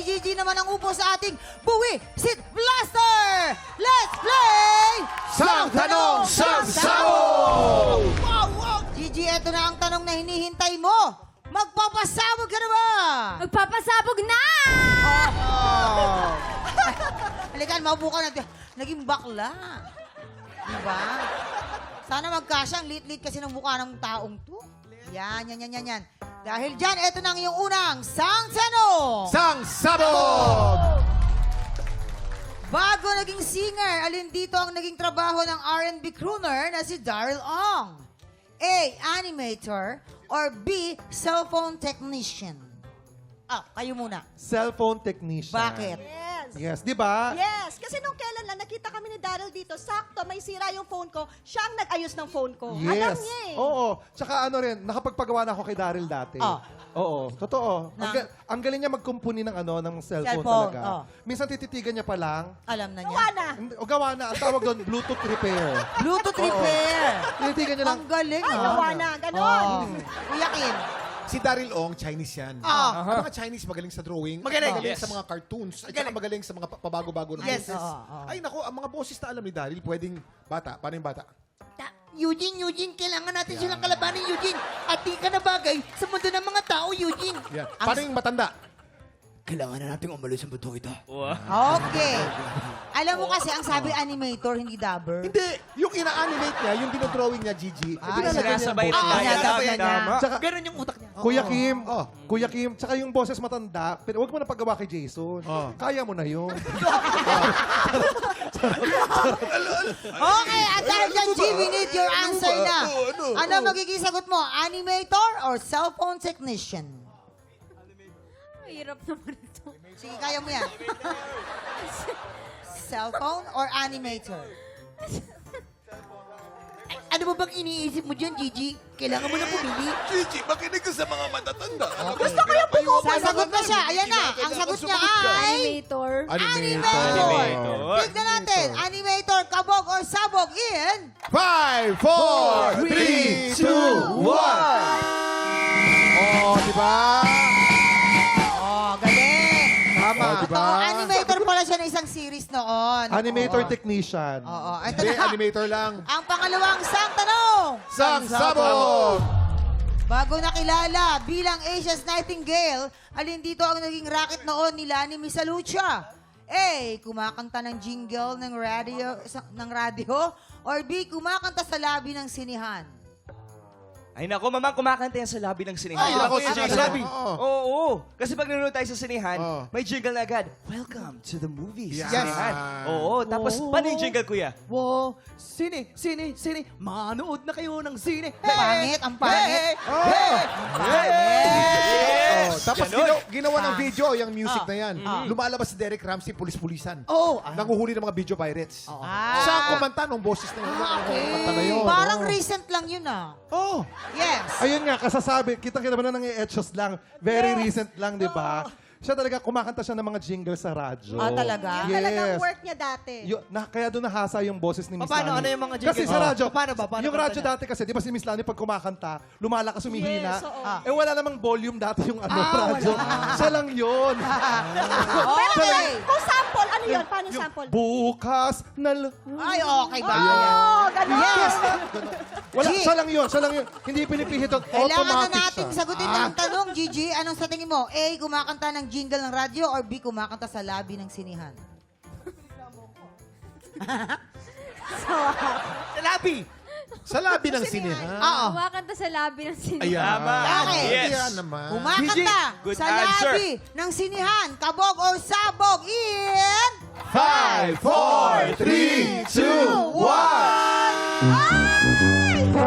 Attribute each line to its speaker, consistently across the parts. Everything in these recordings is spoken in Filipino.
Speaker 1: Gigi naman ang upo sa ating Buwi Sit Blaster! Let's play!
Speaker 2: Sang Tanong, Sang Sabog!
Speaker 1: Wow, wow! Gigi, eto na ang tanong na hinihintay mo. Magpapasabog ka na ba?
Speaker 3: Magpapasabog na!
Speaker 1: Oh. Halikan, maupo ka na. Naging bakla. Diba? Sana magkasya. Ang lit-lit kasi ng mukha ng taong to. Yan. Dahil dyan, eto na ang iyong unang Sang Tanong!
Speaker 2: Sang Sabog!
Speaker 1: Bago naging singer, alin dito ang naging trabaho ng R&B crooner na si Daryl Ong? A. Animator or B. Cellphone technician? Kayo muna.
Speaker 4: Cellphone technician.
Speaker 1: Bakit?
Speaker 4: Yes, di ba?
Speaker 5: Yes, kasi nung kailan lang nakita kami ni Daryl dito, sakto, may sira yung phone ko, siya ang nag-ayos ng phone ko. Alam
Speaker 4: Yes.
Speaker 5: niya eh.
Speaker 4: Oo. Tsaka ano rin, nakapagpagawa na ako kay Daryl dati.
Speaker 1: Oh.
Speaker 4: Oo, totoo. Ang galing niya magkumpuni ng ng cellphone talaga.
Speaker 1: Oh.
Speaker 4: Minsan tititigan niya pa lang.
Speaker 1: Alam na niya.
Speaker 5: Gawa na.
Speaker 4: O gawa na, ang tawag doon, Bluetooth repair.
Speaker 1: Bluetooth repair.
Speaker 4: Tinitigan niya lang.
Speaker 1: Ang galing,
Speaker 5: Ay, gawa na, ganon.
Speaker 1: Kuya Kim.
Speaker 2: Si Daryl Ong, Chinese yan. Ang mga Chinese magaling sa drawing.
Speaker 6: Magaling,
Speaker 2: Magaling
Speaker 6: yes.
Speaker 2: sa mga cartoons. At saka magaling sa mga pabago-bago ng
Speaker 1: Yes.
Speaker 2: boses.
Speaker 1: Oo.
Speaker 2: Ay, nako, ang mga boses na alam ni Daryl, pwedeng bata. Paano yung bata?
Speaker 1: Eugene, kailangan natin silang kalabanin, Eugene. At di ka na bagay sa mundo ng mga tao, Eugene.
Speaker 2: Yeah. Paano yung matanda?
Speaker 6: Kailangan na natin umalis sa buto ito.
Speaker 1: Okay. Alam mo kasi, ang sabi animator, hindi dabber.
Speaker 2: Hindi. Yung ina-animate niya, yung dinodrawing niya, Gigi.
Speaker 6: Sinasabay na tayo.
Speaker 1: Sinasabayan niya.
Speaker 4: Tsaka,
Speaker 6: Ganun yung utak niya.
Speaker 4: Kuya Kim, tsaka yung boses matanda, pero huwag mo na paggawa kay Jason. Kaya mo na yun.
Speaker 1: Okay, at dahil dyan, G, we need your answer na. Ano magiging sagot mo? Animator or cellphone technician?
Speaker 3: Hirap naman ito.
Speaker 1: Sige, kaya mo yan. Cellphone or animator? Ay, ano ba bang iniisip mo dyan, Gigi? Kailangan mo na pumili.
Speaker 6: Gigi, makinig ka sa mga matatanda.
Speaker 1: Gusto ko yung sasagot na siya. Ayan na. Ang sagot niya ay...
Speaker 3: Animator.
Speaker 1: Animator. Tignan natin. Animator, kabog or sabog in...
Speaker 2: 5, 4, 3, 2, 1. Oh, di ba?
Speaker 1: Oh, galing.
Speaker 4: Tama, di
Speaker 1: Ito,
Speaker 4: ba?
Speaker 1: animator pala siya ng isang series noon.
Speaker 4: Animator
Speaker 1: Oo.
Speaker 4: technician.
Speaker 1: Oo. Ito
Speaker 2: Hindi,
Speaker 1: na.
Speaker 2: animator lang.
Speaker 1: Ang pangalawang sang tanong.
Speaker 2: Sang Sabog!
Speaker 1: Bago nakilala bilang Asia's Nightingale, alin dito ang naging racket noon nila ni Miss Lucia? A. Kumakanta ng jingle ng radio or B. Kumakanta sa labi ng sinihan?
Speaker 6: Ay nako, mamang kumakanta yan sa lobby ng sinihan.
Speaker 2: Ay, nako,
Speaker 6: Sa
Speaker 2: sa
Speaker 6: lobby.
Speaker 2: lobby.
Speaker 6: Oo. Kasi pag nanonood tayo sa sinihan,
Speaker 2: Oo.
Speaker 6: may jingle na agad. Welcome to the movies.
Speaker 2: Yes.
Speaker 6: Sa sinihan. Oo. Tapos, paano yung jingle, kuya?
Speaker 7: Wow, sine, manood na kayo ng sine.
Speaker 1: Pangit, ang pangit.
Speaker 2: Oh, tapos ginawa ng
Speaker 1: Thanks.
Speaker 2: video yung music na yan. Lumalabas si Derek Ramsey, pulis-pulisan.
Speaker 7: Oh,
Speaker 2: Nanguhuli ng mga video pirates.
Speaker 1: Ah.
Speaker 2: Siya ang kumanta nung boses na yun. Ang kumanta na yun.
Speaker 1: Parang recent lang yun ah.
Speaker 2: Oh.
Speaker 1: Yes.
Speaker 4: Ayun nga, kasasabi, kita-kita ba na nang-i-etchos lang, very recent lang, di ba? Siya talaga, kumakanta siya ng mga jingle sa radyo.
Speaker 1: Ah, talaga?
Speaker 5: Yung talagang work niya dati.
Speaker 4: Kaya doon nahasa yung boses ni Miss
Speaker 7: Paano?
Speaker 4: Lani.
Speaker 7: Ano yung mga jingle?
Speaker 4: Kasi sa radyo,
Speaker 7: Paano ba? Paano
Speaker 4: yung
Speaker 7: kanta
Speaker 4: radyo
Speaker 7: niya?
Speaker 4: dati kasi, di ba si Miss Lani pag kumakanta, lumalakas, humihina.
Speaker 5: Yes, oo.
Speaker 4: Eh wala namang volume dati yung radyo. Siya lang yun.
Speaker 1: Okay.
Speaker 5: Kung sample, ano yun? Paano yung sample?
Speaker 4: Bukas na...
Speaker 1: Ay, okay ba?
Speaker 5: Oh, ganon.
Speaker 1: Yes.
Speaker 4: Wala,
Speaker 1: G.
Speaker 4: siya lang yun. Hindi pinipihit yun.
Speaker 1: Kailangan na
Speaker 4: Automatic
Speaker 1: natin
Speaker 4: siya.
Speaker 1: sagutin ang tanong, Gigi. Anong sa tingin mo? A, kumakanta ng jingle ng radyo or B, kumakanta sa labi ng sinihan?
Speaker 6: Sa lobby.
Speaker 2: Sa labi ng sinehan.
Speaker 1: Oo.
Speaker 3: Kumakanta sa labi ng sinihan.
Speaker 2: Ayan.
Speaker 6: Tama.
Speaker 1: Okay.
Speaker 6: Yes.
Speaker 2: Yan naman.
Speaker 1: Kumakanta
Speaker 6: Good
Speaker 1: sa
Speaker 6: answer.
Speaker 1: labi ng sinihan, kabog or sabog in...
Speaker 2: 5, 4, 3, 2, 1.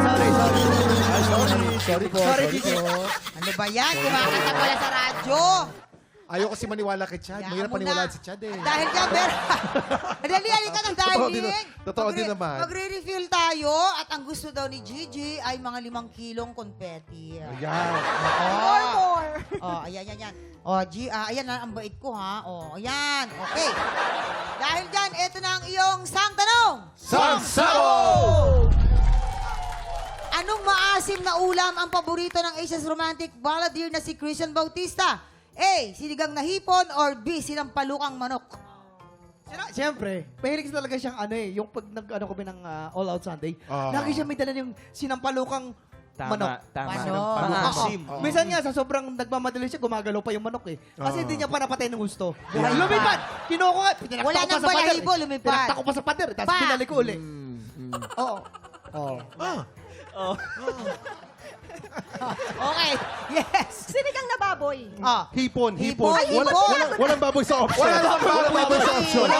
Speaker 7: Sorry, Gigi.
Speaker 1: Ano ba yan? Kumakanta pala sa radyo.
Speaker 2: Ayaw kasi maniwala kay Chad.
Speaker 1: Hayaan
Speaker 2: Mahirap
Speaker 1: mo
Speaker 2: paniwalaan
Speaker 1: na.
Speaker 2: si Chad eh.
Speaker 1: Dahil dyan, Ber. Dali ka ng darling.
Speaker 4: Totoo din naman.
Speaker 1: Magre-refill tayo at ang gusto daw ni Gigi ay mga 5 kilong konfeti.
Speaker 4: Ayan.
Speaker 5: More.
Speaker 1: Oh, ayan. Oh, ayan na ang bait ko ha. Oh, ayan. Okay. Dahil dyan, eto na ang iyong sang tanong.
Speaker 2: Sang Sabog!
Speaker 1: Anong maasim na ulam ang paborito ng Asia's romantic balladeer na si Christian Bautista? A. Sinigang na hipon or B. Sinampalukang manok?
Speaker 7: Siyempre, mahilig talaga siyang yung pag nag-ano kami ng All Out Sunday,
Speaker 2: Ah.
Speaker 7: lagi siya may dala yung sinampalukang manok.
Speaker 6: Tama.
Speaker 1: Manok.
Speaker 6: Pang-asim.
Speaker 7: Oo. Minsan nga, sa sobrang nagmamadali siya, gumagalaw pa yung manok eh. Kasi
Speaker 2: Ah.
Speaker 7: hindi niya pa napatay ng gusto.
Speaker 1: Lumipad.
Speaker 7: Lumipad! Kinuha ko, pinakta
Speaker 1: Wala
Speaker 7: ko pa
Speaker 1: nang
Speaker 7: sa pader.
Speaker 1: balahibo, lumipad.
Speaker 7: Pinakta ko pa sa pader, tapos
Speaker 1: Pa!
Speaker 7: pinalik ko uli. Oo. Oo.
Speaker 2: Ah,
Speaker 1: Okay. Yes.
Speaker 5: Sinigang na baboy.
Speaker 1: Ah.
Speaker 4: Hipon.
Speaker 1: Hipon. Ay,
Speaker 4: Wala-
Speaker 1: hipon!
Speaker 4: wala- Walang baboy sa option.
Speaker 2: Walang baboy sa option.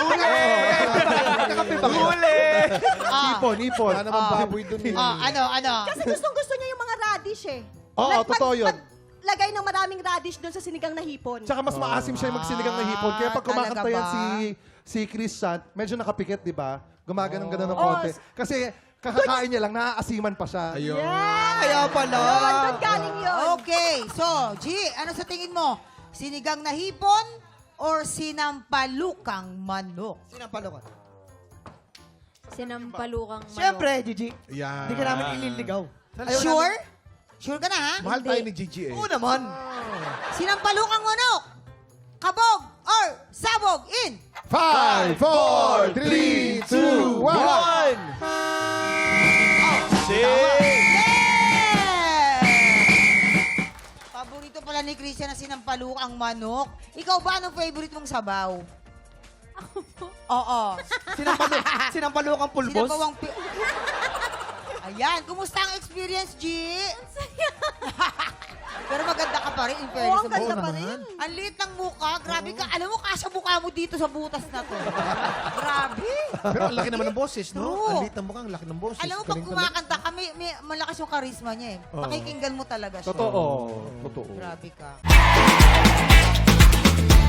Speaker 4: Hipon.
Speaker 2: Wala naman baboy dun eh.
Speaker 1: Ano?
Speaker 5: Kasi gustong-gusto niya yung mga radish eh.
Speaker 4: Oo, totoo yun.
Speaker 5: Lagay ng maraming radish doon sa sinigang na hipon.
Speaker 4: Tsaka mas maasim siya yung magsinigang na hipon. Kaya pag kumakanta
Speaker 1: talaga
Speaker 4: yan
Speaker 1: ba?
Speaker 4: si Christian, medyo nakapikit, di ba? Gumaganon ng
Speaker 5: Oh.
Speaker 4: konti. Kasi kakakain niya lang, naaasiman pa siya.
Speaker 2: Ayun.
Speaker 7: Kaya pala.
Speaker 5: Yun, doon galing yun.
Speaker 1: Okay. So, G, ano sa tingin mo? Sinigang na hipon or sinampalukang manok?
Speaker 7: Sinampalukang.
Speaker 3: Sinampalukang manok.
Speaker 7: Siyempre, Gigi.
Speaker 2: Yan.
Speaker 7: Hindi ka namin ililigaw. Ayaw
Speaker 1: Sure? Sure ka na, ha?
Speaker 2: Mahal tayo ni Gigi eh.
Speaker 7: Oo naman.
Speaker 1: Sinampalukang manok. Kabog or sabog in
Speaker 2: 5, 4, 3, 2, 1.
Speaker 1: Paborito pala ni Christian na sinampalukang manok. Ikaw ba, anong favorite mong sabaw? Oo.
Speaker 7: Sinampalukang pulbos.
Speaker 1: Sinabawang Ayan, kumusta ang experience, G? Pero maganda ka pa rin, in
Speaker 5: Oo,
Speaker 1: fairness.
Speaker 5: ang ganda pa rin.
Speaker 1: Ang liit ng mukha, grabe ka. Alam mo, kasya mukha mo dito sa butas na to. Grabe.
Speaker 2: Pero ang laki naman ng boses, no?
Speaker 1: True.
Speaker 2: Ang liit ng mukha, ang laki ng boses.
Speaker 1: Alam mo, pag
Speaker 2: Galing
Speaker 1: kumakanta ka, may malakas yung charisma niya eh.
Speaker 2: Oo.
Speaker 1: Pakikinggan mo talaga siya.
Speaker 4: Totoo. Totoo.
Speaker 1: Grabe ka.